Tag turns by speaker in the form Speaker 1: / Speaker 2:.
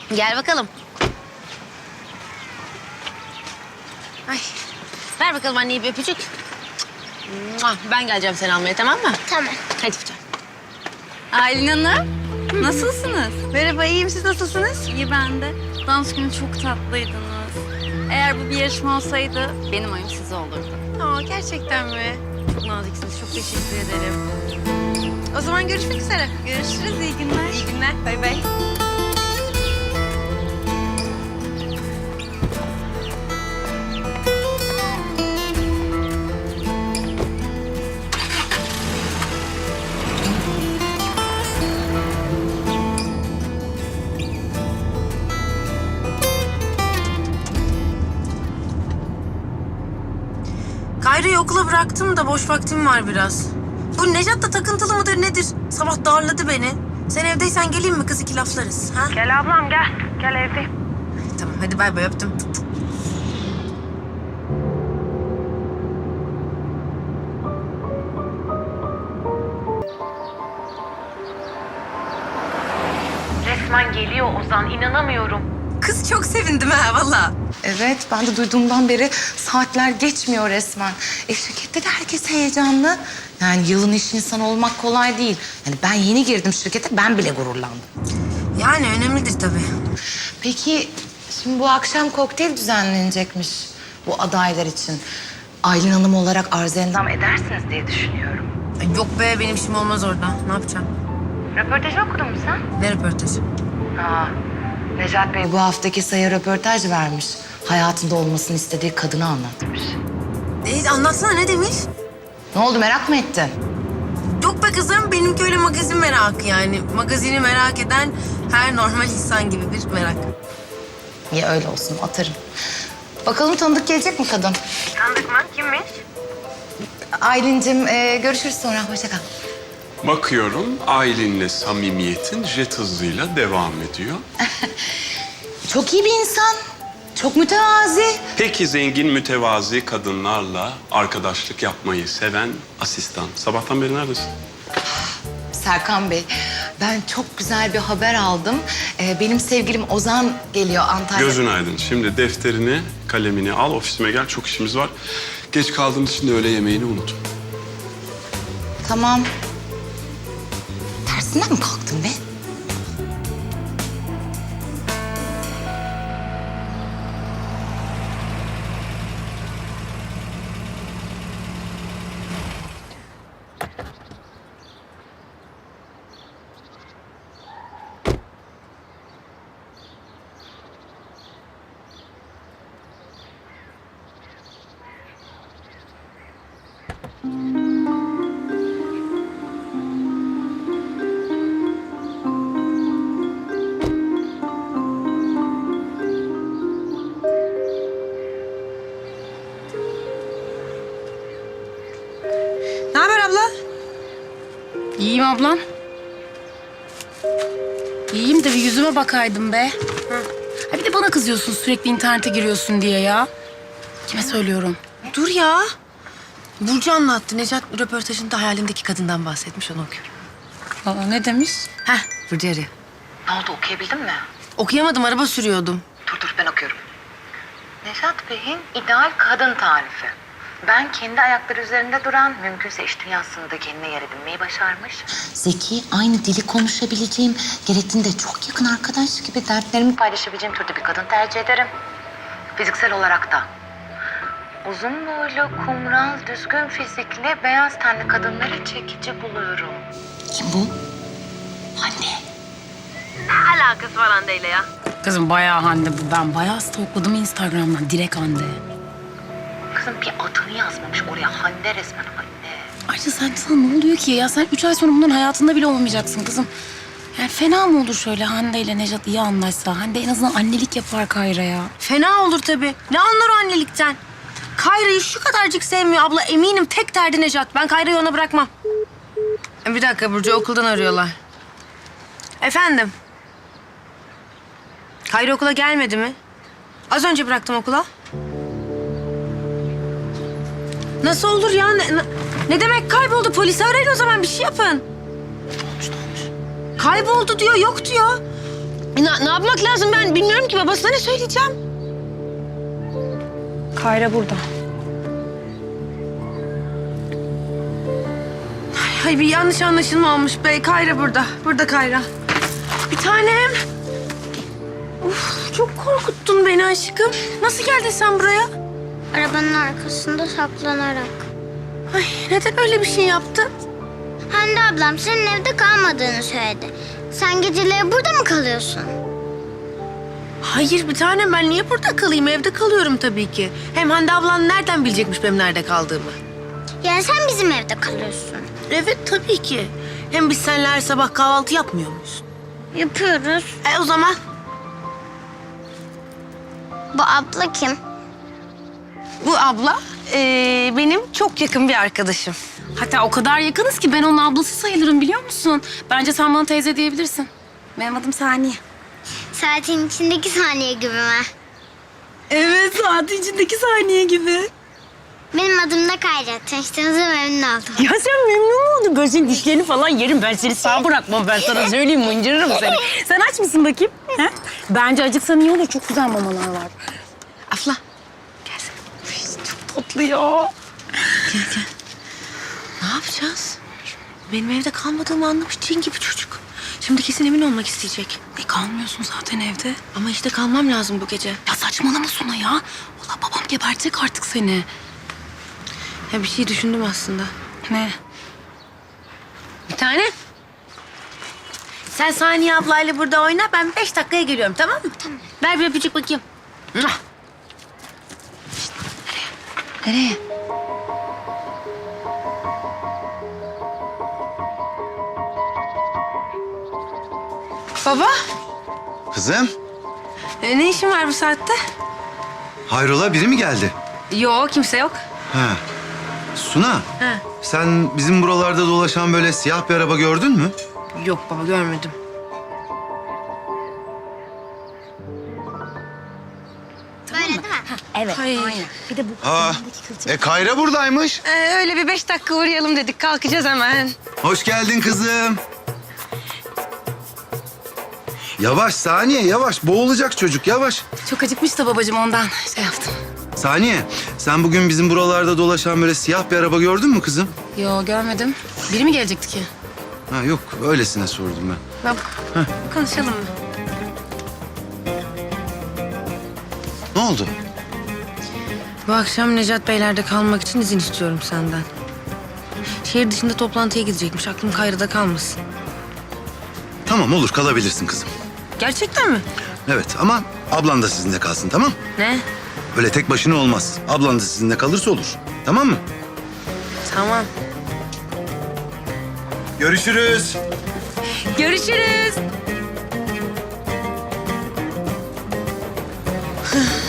Speaker 1: Gel bakalım. Ay. Ver bakalım anneye bir öpücük. Ben geleceğim seni almaya, tamam mı?
Speaker 2: Tamam.
Speaker 1: Hadi bir tane.
Speaker 3: Aylin Hanım, nasılsınız?
Speaker 1: Merhaba, iyiyim. Siz nasılsınız?
Speaker 3: İyi ben de. Dans günü çok tatlıydınız. Eğer bu bir yarışma olsaydı benim oyum size olurdu.
Speaker 1: Aa, gerçekten mi? Çok naziksiniz. Çok teşekkür ederim. O zaman görüşmek üzere.
Speaker 3: Görüşürüz, iyi günler.
Speaker 1: İyi günler. Bay bay. Kayra'yı okula bıraktım da boş vaktim var biraz. Bu Nejat da takıntılı mıdır nedir? Sabah darladı beni. Sen evdeysen geleyim mi kız, iki laflarız? Ha?
Speaker 4: Gel ablam gel. Gel evdeyim.
Speaker 1: Tamam hadi bay bay, öptüm.
Speaker 4: Resmen geliyor Ozan. İnanamıyorum.
Speaker 1: Kız çok sevindim ha valla.
Speaker 5: Evet, ben de duyduğumdan beri saatler geçmiyor resmen. Şirkette de herkes heyecanlı. Yani yılın iş insanı olmak kolay değil. Yani ben yeni girdim şirkete, ben bile gururlandım.
Speaker 1: Yani önemlidir tabii.
Speaker 5: Peki, şimdi bu akşam kokteyl düzenlenecekmiş bu adaylar için. Aylin Hanım olarak arzu endam edersiniz diye düşünüyorum.
Speaker 1: Ay yok be, benim işim olmaz orada. Ne yapacağım?
Speaker 4: Röportajı okudun mu sen?
Speaker 1: Ne röportajı?
Speaker 5: Necat Bey bu haftaki Say'a röportaj vermiş. Hayatında olmasını istediği kadını anlatmış.
Speaker 1: Anlatsana, ne demiş?
Speaker 5: Ne oldu, merak mı ettin?
Speaker 1: Yok be kızım, benimki öyle magazin merakı yani. Magazini merak eden her normal insan gibi bir merak.
Speaker 5: İyi, öyle olsun, atarım. Bakalım tanıdık gelecek mi kadın?
Speaker 4: Tanıdık mı? Kimmiş?
Speaker 5: Aylin'cim görüşürüz sonra, hoşça kal.
Speaker 6: Bakıyorum Aylin'le samimiyetin jet hızıyla devam ediyor.
Speaker 5: Çok iyi bir insan, çok mütevazi.
Speaker 6: Peki zengin mütevazi kadınlarla arkadaşlık yapmayı seven asistan. Sabahtan beri neredesin?
Speaker 5: Serkan Bey, ben çok güzel bir haber aldım. Benim sevgilim Ozan geliyor Antalya.
Speaker 6: Gözün aydın. Şimdi defterini, kalemini al, ofisime gel. Çok işimiz var. Geç kaldığımız için de öğle yemeğini unut.
Speaker 5: Tamam. Tersinden mi kalktın be?
Speaker 1: Ne haber abla?
Speaker 3: İyiyim ablam. İyiyim de bir yüzüme bakaydın be. Ha bir de bana kızıyorsun sürekli internete giriyorsun diye ya. Kime söylüyorum?
Speaker 1: Dur ya. Burcu anlattı. Necat röportajında hayalindeki kadından bahsetmiş, onu okuyorum.
Speaker 3: Aa, ne demiş?
Speaker 1: Heh, Burcu arıyor.
Speaker 5: Ne oldu, okuyabildin mi?
Speaker 1: Okuyamadım, araba sürüyordum.
Speaker 5: Dur ben okuyorum. Nejat Bey'in ideal kadın tarifi. Ben kendi ayakları üzerinde duran, mümkünse iş dünyasında kendine yer edinmeyi başarmış. Zeki, aynı dili konuşabileceğim, gerektiğinde çok yakın arkadaş gibi dertlerimi paylaşabileceğim türde bir kadın tercih ederim. Fiziksel olarak da. Uzun boylu, kumral, düzgün fizikli, beyaz tenli kadınları çekici buluyorum. Kim bu? Hande.
Speaker 4: Ne alakası var Hande'yle ya?
Speaker 3: Kızım bayağı Hande bu. Ben bayağı stalkladım Instagram'dan. Direkt Hande.
Speaker 5: Kızım bir adını yazmamış oraya. Hande resmen Hande.
Speaker 3: Ayrıca sana ne oluyor ki ya? Sen 3 ay sonra bunların hayatında bile olmayacaksın kızım. Yani fena mı olur şöyle Hande ile Nejat iyi anlaşsa? Hande en azından annelik yapar Kayra'ya.
Speaker 1: Fena olur tabii. Ne anlar o annelikten? Kayra'yı şu kadarcık sevmiyor abla. Eminim tek derdi Nejat. Ben Kayra'yı ona bırakmam. Bir dakika, Burcu okuldan arıyorlar. Efendim? Kayra okula gelmedi mi? Az önce bıraktım okula. Nasıl olur ya? Ne demek kayboldu? Polisi arayın o zaman, bir şey yapın. Kayboldu diyor, yok diyor. Ne yapmak lazım ben bilmiyorum ki. Babasına ne söyleyeceğim?
Speaker 3: Kayra burada.
Speaker 1: Ay bir yanlış anlaşılma olmuş be. Kayra burada. Burada Kayra. Bir tanem. Uf, çok korkuttun beni aşkım. Nasıl geldin sen buraya?
Speaker 2: Arabanın arkasında saklanarak.
Speaker 1: Ay neden öyle bir şey yaptın?
Speaker 2: Hande ablam senin evde kalmadığını söyledi. Sen geceleri burada mı kalıyorsun?
Speaker 1: Hayır bir tanem ben niye burada kalayım? Evde kalıyorum tabii ki. Hem Hande ablan nereden bilecekmiş benim nerede kaldığımı?
Speaker 2: Yani sen bizim evde kalıyorsun.
Speaker 1: Evet tabii ki. Hem biz seninle her sabah kahvaltı yapmıyor muyuz?
Speaker 2: Yapıyoruz.
Speaker 1: O zaman
Speaker 2: Bu abla kim?
Speaker 1: bu abla benim çok yakın bir arkadaşım.
Speaker 3: Hatta o kadar yakınız ki ben onun ablası sayılırım biliyor musun? Bence sen bana teyze diyebilirsin. Benim adım Saniye.
Speaker 2: Saatin içindeki saniye gibi mi?
Speaker 3: Evet, saatin içindeki saniye gibi.
Speaker 2: Benim adım da Kayra. Tanıştığınıza memnun oldum.
Speaker 1: Ya sen memnun oldun. Ben senin dişlerini falan yerim. Ben seni sağ bırakmam. Ben sana söyleyeyim mıncırırım seni.
Speaker 3: Sen aç mısın bakayım? He? Bence acıksan iyi olur. Çok güzel mamalar var.
Speaker 1: Afla.
Speaker 3: Tatlı ya.
Speaker 1: Gel. Ne yapacağız? Benim evde kalmadığımı anlamış cin gibi çocuk. Şimdi kesin emin olmak isteyecek.
Speaker 3: Kalmıyorsun zaten evde.
Speaker 1: Ama işte kalmam lazım bu gece.
Speaker 3: Ya saçmalama Suna ya. Valla babam gebertecek artık seni.
Speaker 1: Ya bir şey düşündüm aslında.
Speaker 3: Ne?
Speaker 1: Bir tane. Sen Saniye ablayla burada oyna. Ben 5 dakikaya geliyorum tamam mı? Tamam. Ver bir öpücük bakayım. Mwah.
Speaker 3: Nereye?
Speaker 1: Baba.
Speaker 7: Kızım,
Speaker 1: Ne işin var bu saatte?
Speaker 7: hayrola biri mi geldi?
Speaker 1: Yok kimse yok.
Speaker 7: Ha. Suna,
Speaker 1: Ha.
Speaker 7: sen bizim buralarda dolaşan böyle siyah bir araba gördün mü?
Speaker 1: Yok baba görmedim.
Speaker 2: Böyle değil mi?
Speaker 3: Evet.
Speaker 1: Ay.
Speaker 3: Bir de bu
Speaker 7: Aa, Kayra buradaymış.
Speaker 1: Öyle bir 5 dakika uğrayalım dedik. Kalkacağız hemen.
Speaker 7: Hoş geldin kızım. Yavaş Saniye, yavaş. Boğulacak çocuk, yavaş.
Speaker 3: çok acıkmış da babacığım ondan şey yaptım.
Speaker 7: Saniye, sen bugün bizim buralarda dolaşan böyle siyah bir araba gördün mü kızım?
Speaker 3: Yo görmedim. Biri mi gelecekti ki?
Speaker 7: Ha yok, öylesine sordum ben.
Speaker 1: Baba konuşalım mı?
Speaker 7: Ne oldu?
Speaker 1: Bu akşam Necat Beyler'de kalmak için izin istiyorum senden. Şehir dışında toplantıya gidecekmiş. Aklım Kayra'da kalmasın.
Speaker 7: Tamam olur, kalabilirsin kızım.
Speaker 1: Gerçekten mi?
Speaker 7: Evet ama ablan da sizinle kalsın, tamam?
Speaker 1: Ne?
Speaker 7: Öyle tek başına olmaz. Ablan da sizinle kalırsa olur. Tamam mı?
Speaker 1: Tamam.
Speaker 7: Görüşürüz.
Speaker 1: Görüşürüz.